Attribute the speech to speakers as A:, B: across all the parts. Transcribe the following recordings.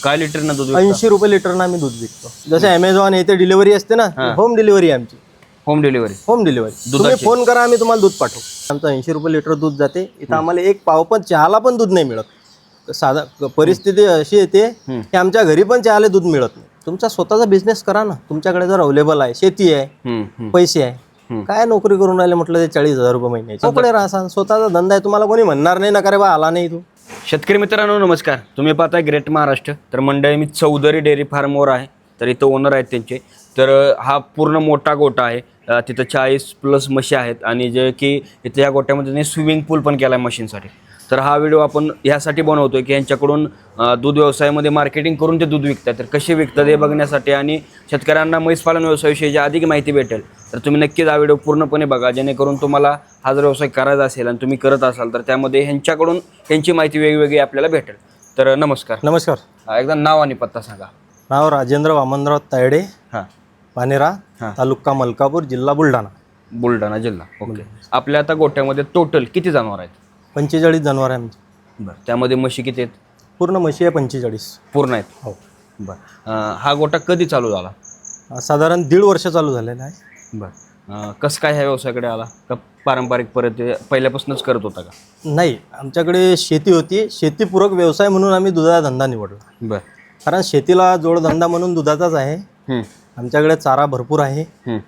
A: काय लिटरनं दूध विकता?
B: 80 रुपये लिटरनं आम्ही दूध विकतो. जसे अमेझॉन येथे डिलिव्हरी असते ना, होम डिलिव्हरी आमची.
A: Home delivery.
B: होम डिलिव्हरी तुम्ही फोन करा, आम्ही तुम्हाला दूध पाठवू. आमचं 80 रुपये लिटर दूध जाते. इथं आम्हाला एक पाव पण चहाला पण दूध नाही मिळत. साधा परिस्थिती अशी येते की आमच्या घरी पण चहाला दूध मिळत नाही. तुमचा स्वतःचा बिझनेस करा ना. तुमच्याकडे जर अवेलेबल आहे, शेती आहे, पैसे आहे, काय नोकरी करून राहिले म्हटलं ते 40,000 रुपये महिन्याचे मोकळे राहा. स्वतःचा धंदा आहे, तुम्हाला कोणी म्हणणार नाही ना का रे बा आला नाही तू.
A: शेतकरी मित्रांनो नमस्कार. तुम्ही पाहताय ग्रेट महाराष्ट्र. तर मंडळी मी चौधरी डेअरी फार्मवर आहे. तर इथं ओनर आहेत त्यांचे. तर हा पूर्ण मोठा गोठा आहे. तिथं 40+ म्हशी आहेत आणि जे की इथं या गोठ्यामध्ये त्यांनी स्विमिंग पूल पण केला आहे मशीनसाठी. तर हा व्हिडिओ आपण ह्यासाठी बनवतोय की यांच्याकडून दूध व्यवसायामध्ये मार्केटिंग करून ते दूध विकतात. तर कसे विकतात हे बघण्यासाठी आणि शेतकऱ्यांना म्हैस पालन व्यवसायाविषयी अधिक माहिती भेटेल. तर तुम्ही नक्कीच हा व्हिडिओ पूर्णपणे बघा, जेणेकरून तुम्हाला हा जर व्यवसाय करायचा असेल आणि तुम्ही करत असाल तर त्यामध्ये ह्यांच्याकडून ह्यांची माहिती वेगवेगळी आपल्याला भेटेल. तर नमस्कार.
B: नमस्कार.
A: एकदा नाव आणि पत्ता सांगा.
B: नाव राजेंद्र वामनराव तायडे,
A: हां.
B: पानेरा, तालुका मलकापूर, जिल्हा बुलढाणा.
A: बुलढाणा जिल्हा. ओके. आपल्या आता गोठ्यामध्ये टोटल किती जनावर आहेत?
B: 45 जनावर आहे आमची.
A: बरं. त्यामध्ये म्हशी किती आहेत?
B: पूर्ण म्हशी आहे 45
A: पूर्ण आहेत.
B: हो.
A: बरं. हा गोठा कधी चालू झाला?
B: साधारण 1.5 वर्ष चालू झालेला आहे.
A: बरं. कसं काय ह्या व्यवसायाकडे आला? का पारंपरिक परत पहिल्यापासूनच करत होता का?
B: नाही, आमच्याकडे शेती होती. शेतीपूरक व्यवसाय म्हणून आम्ही दुधाचा धंदा निवडला.
A: बरं.
B: कारण शेतीला जोडधंदा म्हणून दुधाचाच आहे. आमच्याकडे चारा भरपूर आहे.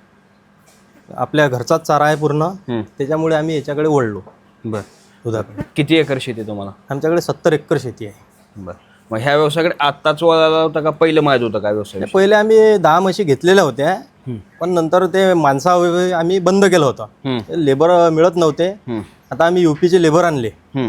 B: आपल्या घरचाच चारा आहे पूर्ण. त्याच्यामुळे आम्ही याच्याकडे वळलो.
A: बरं.
B: दुधाकडे.
A: किती एकर शेती आहे तुम्हाला?
B: आमच्याकडे 70 एकर शेती आहे.
A: बरं. मग ह्या व्यवसायाकडे आत्ताच वळाला होता का पहिलं माहीत होतं काय व्यवसाय?
B: पहिले आम्ही 10 म्हशी घेतलेल्या होत्या, पण नंतर ते माणसा आम्ही बंद केलं होतं. लेबर मिळत नव्हते. आता आम्ही UPचे लेबर आणले.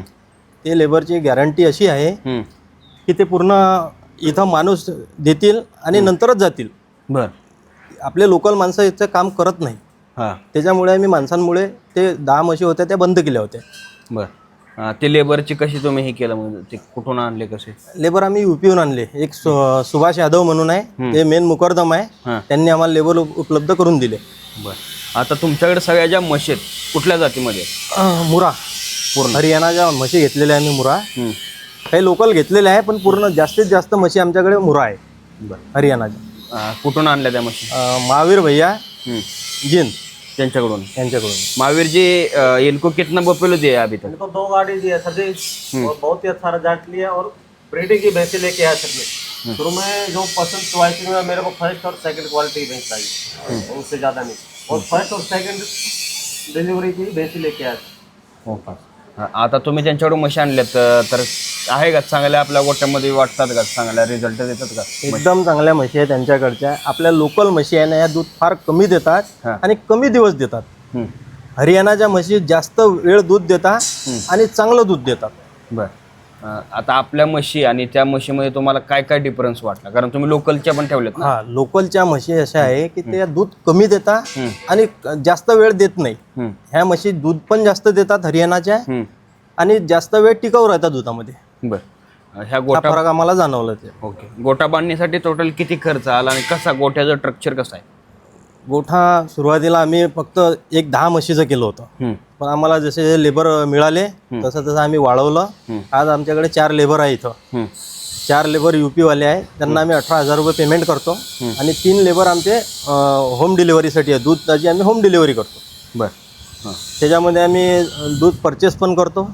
B: ते लेबरची गॅरंटी अशी आहे की ते पूर्ण इथं माणूस देतील आणि नंतरच जातील.
A: बरं.
B: आपले लोकल माणसं याचं काम करत नाही. त्याच्यामुळे आम्ही माणसांमुळे ते 10 म्हशी होत्या त्या बंद केल्या होत्या.
A: बरं. ते लेबरची कशी तुम्ही हे केलं, म्हणजे ते कुठून आणले कसे?
B: लेबर आम्ही UPहून आणले. एक सुभाष यादव म्हणून आहे, ते मेन मुकरदम आहे. त्यांनी आम्हाला लेबर उपलब्ध करून दिले.
A: बरं. आता तुमच्याकडे सगळ्या ज्या म्हशी आहेत कुठल्या जातीमध्ये?
B: मुरा. पूर्ण हरियाणाच्या म्हशी घेतलेल्या आहे मी. मुरा काही लोकल घेतलेले आहे, पण पूर्ण जास्तीत जास्त म्हशी आमच्याकडे मुरा आहे.
A: बरं.
B: हरियाणाच्या.
A: कुठून आणल्या त्या म्हशी?
B: महावीर भैया जिन
A: त्यांच्याकडून.
B: महावीर
A: जी इनको कितना बफेलो दिया अभी तक?
C: इनको 2 गाड़ी दिया सर जी, और बहुत ही अच्छा रिजल्ट लिया और ब्रीडिंग की भैंसें लेके आया सर में। शुरू में जो पसंद चॉइस में मेरे को फर्स्ट और सेकंड क्वालिटी की भैंस चाहिए, उससे ज़्यादा नहीं, और फर्स्ट और सेकंड डिलीवरी की भैंसें लेके आया.
A: हो का. आता तुम्ही त्यांच्याकडून म्हशी आणल्यात, तर आहे का चांगल्या आपल्या गोट्यामध्ये वाटतात का, चांगल्या रिझल्ट देतात का?
B: एकदम चांगल्या म्हशी आहे त्यांच्याकडच्या. आपल्या लोकल म्हशी आहे ना, या दूध फार कमी देतात आणि कमी दिवस देतात. हरियाणाच्या म्हशी जास्त वेळ दूध देतात आणि चांगलं दूध देतात.
A: बरं. आता आपल्या म्हशी आणि त्या म्हशीमध्ये तुम्हाला काय काय डिफरन्स वाटला? कारण तुम्ही लोकलच्या पण ठेवल्यात ना.
B: लोकलच्या म्हशी अशा आहे की ते दूध कमी देतात आणि जास्त वेळ देत नाही. ह्या म्हशी दूध पण जास्त देतात हरियाणाच्या आणि जास्त वेळ टिकाऊ राहतात दुधामध्ये.
A: बरं. ह्या गोठा
B: फरक आम्हाला जाणवलं ते.
A: ओके. गोठा बांधण्यासाठी टोटल किती खर्च आला आणि कसा गोठ्याचं स्ट्रक्चर कसं आहे?
B: गोठा सुरुवातीला आम्ही फक्त 10 म्हशीचं केलं होतं, पण आम्हाला जसे लेबर मिळाले तसं आम्ही वाढवलं. आज आमच्याकडे 4 लेबर आहे. इथं 4 लेबर UPवाले आहे. त्यांना आम्ही 18,000 रुपये पेमेंट करतो आणि 3 लेबर आमचे होम डिलिव्हरीसाठी आहे. दूधाची आम्ही होम डिलिव्हरी करतो.
A: बरं.
B: त्याच्यामध्ये आम्ही दूध परचेस पण करतो,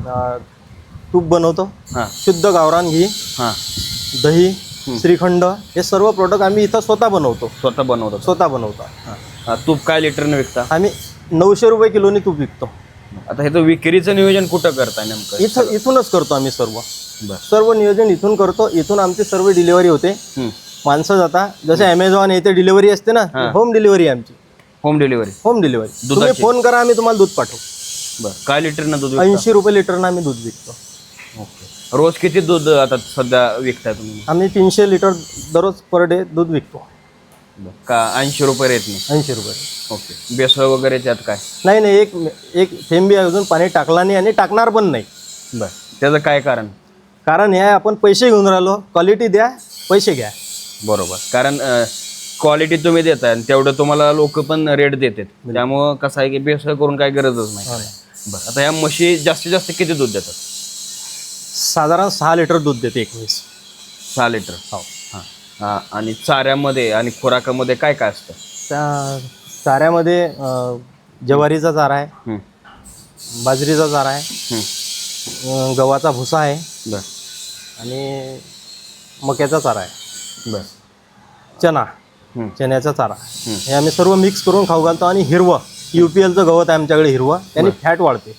B: तूप बनवतो, शुद्ध गावरान घी, दही, श्रीखंड, हे सर्व प्रोडक्ट आम्ही इथं स्वतः बनवतो. स्वतः बनवतो.
A: तूप काय लिटरने विकता?
B: आम्ही 900 रुपये किलोनी तूप विकतो.
A: आता हे तर विक्रीचं नियोजन कुठं करताय नेमकं?
B: इथूनच करतो आम्ही सर्व नियोजन इथून करतो. इथून आमची सर्व डिलिव्हरी होते. माणसं जातात. जसे अमेझॉन येथे डिलिव्हरी असते ना, होम डिलिव्हरी आमची.
A: Home delivery.
B: तुम्ही फोन करा, आम्ही तुम्हाला दूध पाठवू.
A: बरं. काय लिटरनं दूध?
B: 80 रुपये लिटरनं आम्ही दूध विकतो.
A: ओके. रोज किती दूध आता सध्या विकताय तुम्ही?
B: आम्ही 300 लिटर दररोज पर डे दूध विकतो.
A: का 80 रुपये रेट नाही?
B: 80 रुपये.
A: ओके. बेसळ वगैरे त्यात काय?
B: नाही, एक थेंबी अजून पाणी टाकला नाही आणि टाकणार पण नाही.
A: बरं. त्याचं काय कारण?
B: कारण हे आपण पैसे घेऊन राहिलो. क्वालिटी द्या, पैसे घ्या.
A: बरोबर. कारण क्वालिटी तुम्ही देताय आणि तेवढं तुम्हाला लोक पण रेट देतात. त्यामुळं कसं आहे की बेसळ करून काय गरजच नाही. बरं. आता ह्या म्हशी जास्तीत जास्त किती दूध देतात?
B: साधारण 6 लिटर दूध देते एक म्हैस.
A: 6 लिटर.
B: हो.
A: हां. आणि चाऱ्यामध्ये आणि खुराकामध्ये काय काय असतं?
B: त्या चाऱ्यामध्ये ज्वारीचा चारा आहे,
A: हं.
B: बाजरीचा चारा आहे, गव्हाचा भुसा आहे
A: बरं.
B: आणि मक्याचा चारा आहे,
A: बरं.
B: चना,
A: हं.
B: चण्याचा चारा. हे आम्ही सर्व मिक्स करून खाऊ घालतो. आणि हिरवं UPLचं गवत आहे आमच्याकडे, हिरवं, त्याने फॅट वाढते.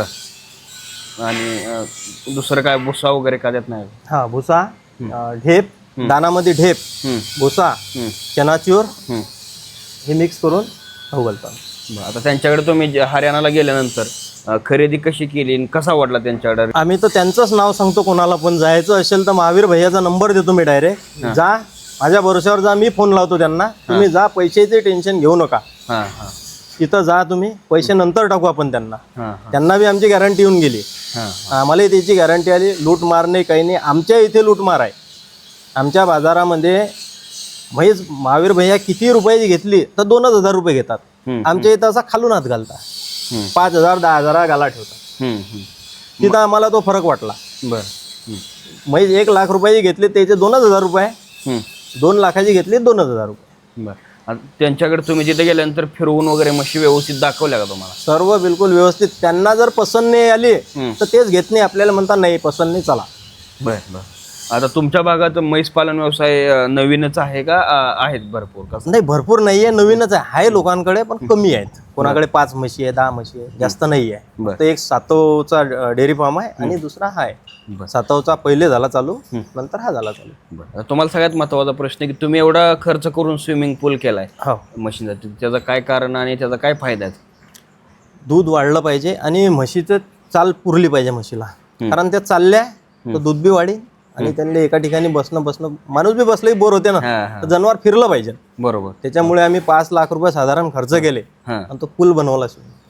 A: बरं. आणि दुसरं काय भुसा वगैरे का देत नाही?
B: हा, भुसा, ढेप, दानामध्ये ढेप, भुसा, चनाचूर हे मिक्स करून खाऊ घालतो.
A: बरं. आता त्यांच्याकडे तुम्ही हरियाणाला गेल्यानंतर खरेदी कशी केली आणि कसा वाटला त्यांच्याकडे?
B: आम्ही तर त्यांचंच नाव सांगतो, कोणाला पण जायचं असेल तर महावीर भैयाचा नंबर देतो मी डायरेक्ट. जा, माझ्या भरोश्यावर जा, मी फोन लावतो त्यांना. तुम्ही जा, पैशाचे टेन्शन घेऊ नका.
A: हां हां
B: तिथं जा तुम्ही, पैसे नंतर टाकू आपण त्यांना.
A: हां
B: त्यांना बी आमची गॅरंटी येऊन गेली,
A: हां
B: आम्हालाही त्याची गॅरंटी आली. लूटमार नाही, काही नाही. आमच्या इथे लूटमार आहे. आमच्या बाजारामध्ये म्हैस महावीर भैया किती रुपयाची घेतली तर 2,000 रुपये घेतात. आमच्या इथं असा खालून हात घालतात, 5,000 10,000 गाला ठेवतात. तिथं आम्हाला तो फरक वाटला.
A: बरं.
B: म्हैस 1,00,000 रुपयाची घेतली त्याचे 2,000 रुपये, 2 लाखाची घेतली 2,000 रुपये.
A: बरं. आता त्यांच्याकडे तुम्ही तिथे गेल्यानंतर फिरवून वगैरे म्हशी व्यवस्थित दाखवल्या का तुम्हाला?
B: सर्व बिलकुल व्यवस्थित. त्यांना जर पसंत नाही आली तर तेच घेत नाही, आपल्याला म्हणतात नाही पसंत नाही, चला.
A: बरं बरं. आता तुमच्या भागात म्हैस पालन व्यवसाय नवीनच आहे का आहेत भरपूर? कसं?
B: नाही, भरपूर नाही आहे, नवीनच आहे लोकांकडे, पण कमी आहेत. कोणाकडे 5 म्हशी आहे, 10 म्हशी आहे, जास्त नाही आहे.
A: बरं.
B: तर एक सातवचा डेअरी फार्म आहे आणि दुसरा हा आहे.
A: बरं.
B: सातवचा पहिले झाला चालू, नंतर हा झाला चालू.
A: बरं. तुम्हाला सगळ्यात महत्त्वाचा प्रश्न की तुम्ही एवढा खर्च करून स्विमिंग पूल केलाय
B: हो,
A: म्हशींसाठी, त्याचं काय कारण आणि त्याचा काय फायदा आहे?
B: दूध वाढलं पाहिजे आणि म्हशीचं चाल पुरली पाहिजे म्हशीला. कारण त्या चालल्या तर दूध बी वाढेल आणि त्यांना एका ठिकाणी बसणं माणूस बी बसलंही बोर होते ना, तर जनावर फिरलं पाहिजे.
A: बरोबर.
B: त्याच्यामुळे आम्ही 5 लाख रुपये साधारण खर्च केले आणि तो पूल बनवला.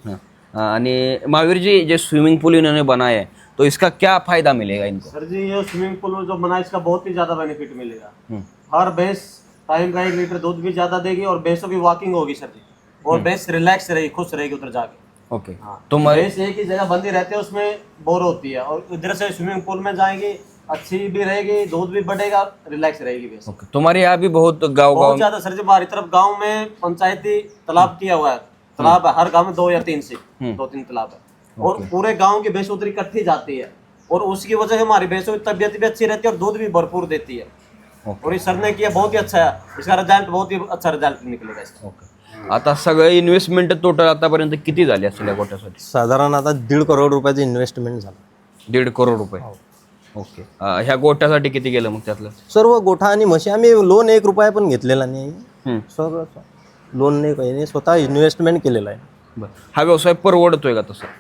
A: आणि महावीर जी जो स्विमिंग पूल इन्होंने बनाया है तो इसका क्या फायदा मिलेगा इनको?
C: सर जी, ये स्विमिंग पूल जो बना है इसका बहुत ही ज्यादा बेनिफिट मिलेगा. हर भैंस टाइम का 1 लीटर दूध भी ज्यादा देगी और भैंसों की वॉकिंग होगी सर जी. और भैंस रिलैक्स रहेगी, खुश रहेगी उधर जाके.
A: ओके.
C: तो
A: तो
C: भैंस एक ही जगह बंदी रहती है, उसमें बोर होती है. और इधर से स्विमिंग पूल में जाएगी, अच्छी भी रहेगी, दूध भी बढ़ेगा, रिलैक्स रहेगी भैंस.
A: ओके. तुम्हारे यहाँ भी बहुत गाँव
C: बहुत ज्यादा सर जी. हमारी तरफ गांव में पंचायती तालाब किया हुआ है. तालाब है हर गांव में 2 या 3 से 2-3 तालाब है. और पूरे गांव की भैंस उधर इकट्ठी जाती है और उसकी वजह से हमारी भैंसों की तबीयत भी अच्छी रहती है और दूध भी भरपूर देती है. और ये सर ने किया बहुत ही अच्छा है. इसका रिजल्ट बहुत ही अच्छा रिजल्ट निकलेगा इसका.
A: ओके. आता सगळे इन्व्हेस्टमेंट टोटल आतापर्यंत किती झाली असेल या गोट्यासाठी?
B: साधारण आता 1.5 करोड रुपयाचं इन्व्हेस्टमेंट झालं.
A: 1.5 करोड रुपये. ओके. ह्या गोट्यासाठी किती गेलं मग त्यातलं?
B: सर्व गोठा आणि म्हशी आम्ही लोन 1 रुपया पण घेतलेला नाही. सर्व लोन नाही, काही नाही, स्वतः इन्व्हेस्टमेंट केलेलं आहे.
A: बरं. हा व्यवसाय परवडतोय का तसा?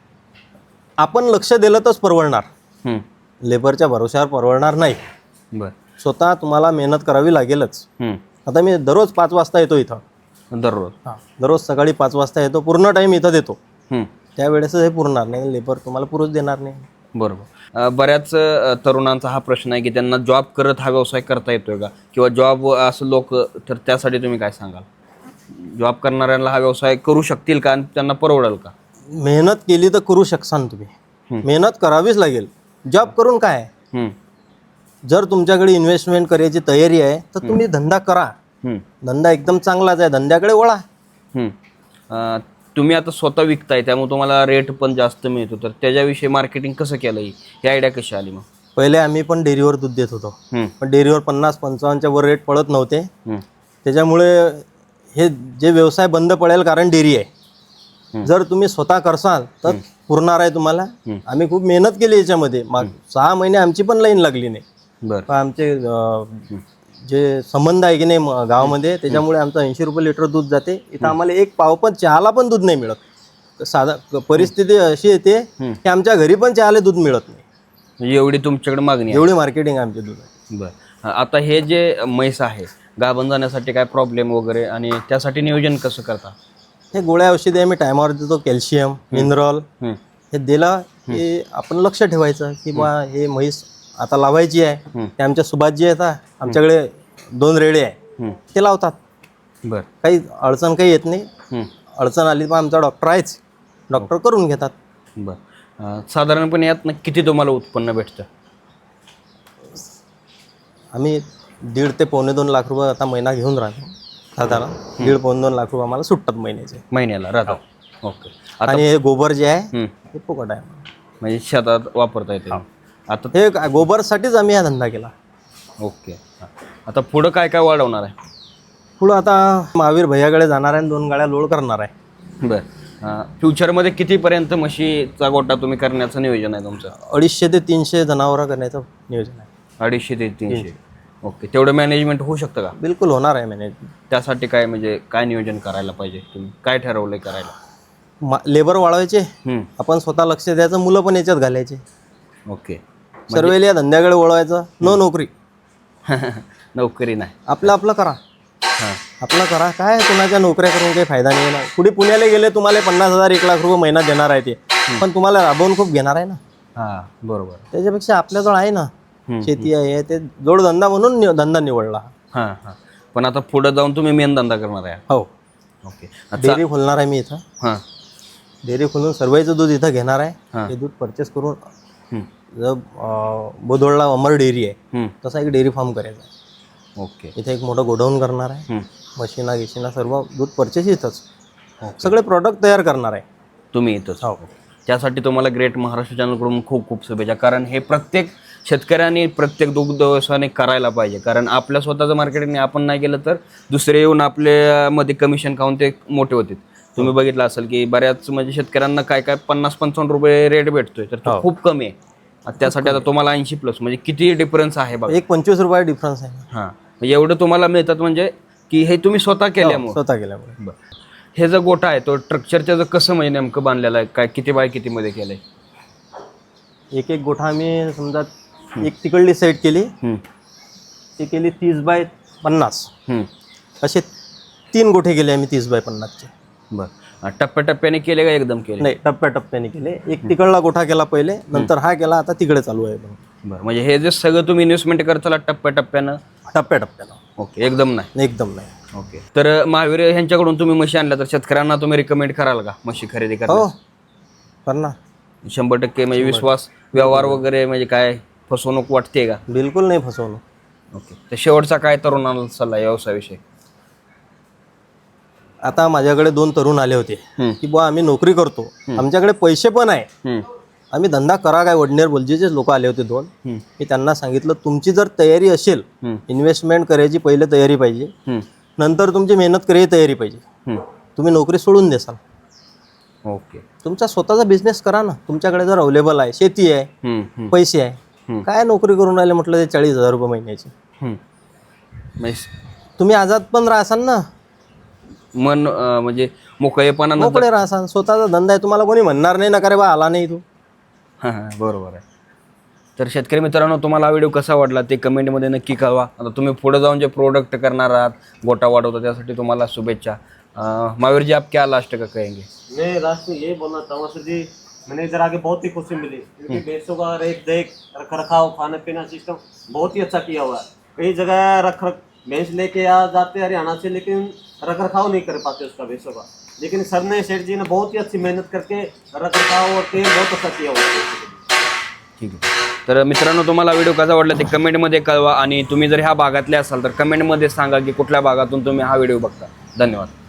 B: आपण लक्ष दिलं तरच परवडणार, लेबरच्या भरोश्यावर परवडणार नाही.
A: बरं.
B: स्वतः तुम्हाला मेहनत करावी लागेलच. आता मी दररोज 5 वाजता येतो इथं.
A: दररोज?
B: दररोज सकाळी 5 वाजता येतो, पूर्ण टाईम इथं देतो. त्यावेळेस हे पुरणार नाही, लेबर तुम्हाला पुरूच देणार नाही.
A: बरोबर. बऱ्याच तरुणांचा हा प्रश्न आहे की त्यांना जॉब करत हा व्यवसाय करता येतोय का, किंवा जॉब असं लोक, तर त्यासाठी तुम्ही काय सांगाल? जॉब करणाऱ्यांना हा व्यवसाय करू शकतील का आणि त्यांना परवडेल का?
B: मेहनत केली तर करू शकसान तुम्ही. मेहनत करावीच लागेल. जॉब करून काय आहे? जर तुमच्याकडे इन्व्हेस्टमेंट करायची तयारी आहे तर तुम्ही धंदा करा. धंदा एकदम चांगलाच आहे, धंद्याकडे वळा.
A: तुम्ही आता स्वतः विकताय त्यामुळे तुम्हाला रेट पण जास्त मिळतो, तर त्याच्याविषयी मार्केटिंग कसं केलं, ही आयडिया कशी आली मग?
B: पहिले आम्ही पण डेअरीवर दूध देत होतो, पण डेअरीवर 50-55च्या वर रेट पडत नव्हते. त्याच्यामुळे हे जे व्यवसाय बंद पडेल, कारण डेअरी आहे. जर तुम्ही स्वतः करसाल तर पुरणार आहे तुम्हाला. आम्ही खूप मेहनत केली याच्यामध्ये. 6 महिने आमची पण लाईन लागली नाही.
A: बरं.
B: आमचे जे संबंध आहे की नाही गावामध्ये, त्याच्यामुळे आमचं 80 रुपये लिटर दूध जाते. इथं आम्हाला 1 पाव पण चहाला पण दूध नाही मिळत. साधा परिस्थिती अशी येते की आमच्या घरी पण चहाला दूध मिळत नाही.
A: म्हणजे एवढी तुमच्याकडे मागणी आहे?
B: एवढी मार्केटिंग आमचे दूध आहे.
A: बरं. आता हे जे म्हैस आहे, गाभण जाण्यासाठी काय प्रॉब्लेम वगैरे आणि त्यासाठी नियोजन कसं करता?
B: हे गोळ्या औषधी आम्ही टायमावर देतो, कॅल्शियम, मिनरल हे दिला की आपण लक्ष ठेवायचं की बा हे म्हैस आता लावायची आहे. ते आमच्या सुभाषजी आहेत, आमच्याकडे 2 रेडे आहे, ते लावतात.
A: बरं.
B: काही अडचण काही येत नाही. अडचण आली पण आमचा डॉक्टर आहेच, डॉक्टर करून घेतात.
A: बरं. साधारणपणे यात किती तुम्हाला उत्पन्न भेटतं?
B: आम्ही 1.5 ते पावणे 2 लाख रुपये आता महिना घेऊन राहतो साधारण 1.5-2 लाख रुपये आम्हाला सुटतात
A: महिन्याला राहतात. ओके.
B: आणि हे गोबर जे आहे
A: हं.
B: हे फुकट आहे.
A: म्हणजे शेतात वापरता येते आता.
B: हे गोबरसाठीच आम्ही हा धंदा केला.
A: ओके. हां. आता पुढं काय काय वाढवणार आहे?
B: पुढं आता महावीर भैयाकडे जाणार आहे आणि 2 गाड्या लोड करणार आहे.
A: बरं. फ्युचरमध्ये कितीपर्यंत म्हशीचा गोटा तुम्ही करण्याचं नियोजन आहे तुमचं?
B: 250 ते 300 जनावरं करण्याचं नियोजन आहे.
A: 250 ते 300. ओके. तेवढं मॅनेजमेंट होऊ शकतं का?
B: बिलकुल होणार आहे मॅनेजमेंट.
A: त्यासाठी काय म्हणजे काय नियोजन करायला पाहिजे? तुम्ही काय ठरवलंय करायला?
B: लेबर वाढवायचे,
A: हं.
B: आपण स्वतः लक्ष द्यायचं, मुलं पण याच्यात घालायचे,
A: ओके.
B: सर्वेला या धंद्याकडे वळवायचं. नोकरी,
A: नोकरी नाही.
B: आपलं करा,
A: हां.
B: आपलं करा. काय कुणाच्या नोकऱ्या करून काही फायदा नाही ना. पुढे पुण्याला गेले तुम्हाला 50,000 1 लाख रुपये महिना देणार आहे ते, पण तुम्हाला राबवून खूप घेणार आहे ना.
A: हां, बरोबर.
B: त्याच्यापेक्षा आपल्याजवळ आहे ना, शेती आहे, ते जोडधंदा म्हणून धंदा निवडला.
A: हां हां. पण आता पुढे जाऊन तुम्ही मेन धंदा करणार आहे?
B: हो.
A: ओके.
B: डेअरी खोलणार आहे मी इथं.
A: हां.
B: डेअरी खोलून सर्वांचं दूध इथं घेणार आहे.
A: हां.
B: हे दूध परचेस करून
A: हं.
B: जर बोदोडला अमर डेअरी आहे
A: हं.
B: तसा एक डेअरी फार्म करायचा आहे.
A: ओके.
B: इथे एक मोठं गोडाऊन करणार आहे.
A: हं.
B: मशीना सर्व दूध परचेस इथंच, सगळे प्रॉडक्ट तयार करणार आहे
A: तुम्ही इथंच?
B: हो.
A: त्यासाठी तुम्हाला ग्रेट महाराष्ट्र चॅनलकडून खूप खूप शुभेच्छा. कारण हे प्रत्येक शेतकऱ्यांनी, प्रत्येक दुग्ध व्यवसायाने करायला पाहिजे. कारण आपल्या स्वतःचं मार्केटिंग आपण नाही केलं तर दुसरे येऊन आपल्यामध्ये कमिशन खाऊन ते मोठे होते. तुम्ही बघितलं असेल की बऱ्याच म्हणजे शेतकऱ्यांना काय 50-55 रुपये रेट भेटतोय, तर तो खूप कमी आहे. त्यासाठी आता तुम्हाला 80+ म्हणजे किती डिफरन्स आहे बघा.
B: एक 25 रुपये डिफरन्स आहे.
A: हां, म्हणजे एवढं तुम्हाला मिळतात म्हणजे की हे तुम्ही स्वतः केल्यामुळे.
B: स्वतः केल्यामुळे.
A: बरं. हे जो गोठा आहे तो स्ट्रक्चरचं कसं म्हणजे नेमकं बांधलेलं आहे? काय किती बाय कितीमध्ये केलं आहे?
B: एक गोठा आम्ही समजा एक तिकडली साईड केली, ती केली 30x50. असे 3 गोठे केले आम्ही 30x50चे.
A: बरं. टप्प्याटप्प्याने केले का एकदम केले?
B: नाही, टप्प्याटप्प्याने केले. एक तिकडला गोठा केला पहिले, नंतर हा केला, आता तिकडे चालू आहे.
A: बरं. म्हणजे हे जे सगळं तुम्ही इन्व्हेस्टमेंट करताला टप्प्याटप्प्यानं?
B: टप्प्याटप्प्यानं.
A: ओके. एकदम नाही?
B: एकदम नाही.
A: ओके. तर महावीर ह्यांच्याकडून तुम्ही म्हशी आणल्या तर शेतकऱ्यांना तुम्ही रिकमेंड कराल का म्हशी खरेदी
B: हो,
A: करायला?
B: करणार
A: 100% म्हणजे विश्वास, व्यवहार वगैरे म्हणजे काय फसवणूक वाटते का?
B: बिलकुल नाही फसवणूक.
A: ओके. तर शेवटचा काय तरुणाला सल्ला व्यवसायाविषयी?
B: आता माझ्याकडे 2 तरुण आले होते की बुवा आम्ही नोकरी करतो, आमच्याकडे पैसे पण आहे, आम्ही धंदा करा काय. वडनेर बोलजेचे लोक आले होते 2. मी त्यांना सांगितलं तुमची जर तयारी असेल, इन्व्हेस्टमेंट करायची पहिले तयारी पाहिजे, नंतर तुमची मेहनत करायची तयारी पाहिजे. तुम्ही नोकरी सोडून देसाल.
A: ओके.
B: तुमचा स्वतःचा बिझनेस करा ना. तुमच्याकडे जर अवेलेबल आहे, शेती आहे, पैसे आहे, काय नोकरी करून राहिले म्हटलं ते 40,000 रुपये महिन्याचे. तुम्ही आझाद पण राहसाल ना,
A: मन म्हणजे मोकळेपणा.
B: मोकळे राहसाल. स्वतःचा धंदा आहे, तुम्हाला कोणी म्हणणार नाही ना का रे बा आला नाही तू.
A: हां, बरोबर आहे. तर शेतकरी मित्रांनो, तुम्हाला हा व्हिडिओ कसा वाटला ते कमेंटमध्ये नक्की कळवा. आता तुम्ही पुढे जाऊन जे प्रोडक्ट करणार आहात, गोटा वाढवता, त्यासाठी तुम्हाला शुभेच्छा. महावीर जी, आप क्या लास्ट का कहेंगे?
C: मैं लास्ट में ये बोलना चाहूँगा सर जी, मैंने इधर आके बहुत ही खुशी मिली, क्योंकि भैंसों का रख रखाव, खाने पीना सिस्टम बहुत ही अच्छा किया हुआ है. कई जगह भैंस लेके आ जाते हरियाणा से, लेकिन रख रखाव नहीं कर पाते उसका भैंसों का. लेकिन सर ने, सेठ जी ने बहुत ही अच्छी मेहनत करके रख रखाव और तेल बहुत अच्छा किया हुआ है.
A: ठीक आहे. तर मित्रांनो, तुम्हाला व्हिडिओ कसा वाटला ते कमेंटमध्ये कळवा. आणि तुम्ही जर ह्या भागातले असाल तर कमेंटमध्ये सांगा की कुठल्या भागातून तुम्ही हा व्हिडिओ बघता. धन्यवाद.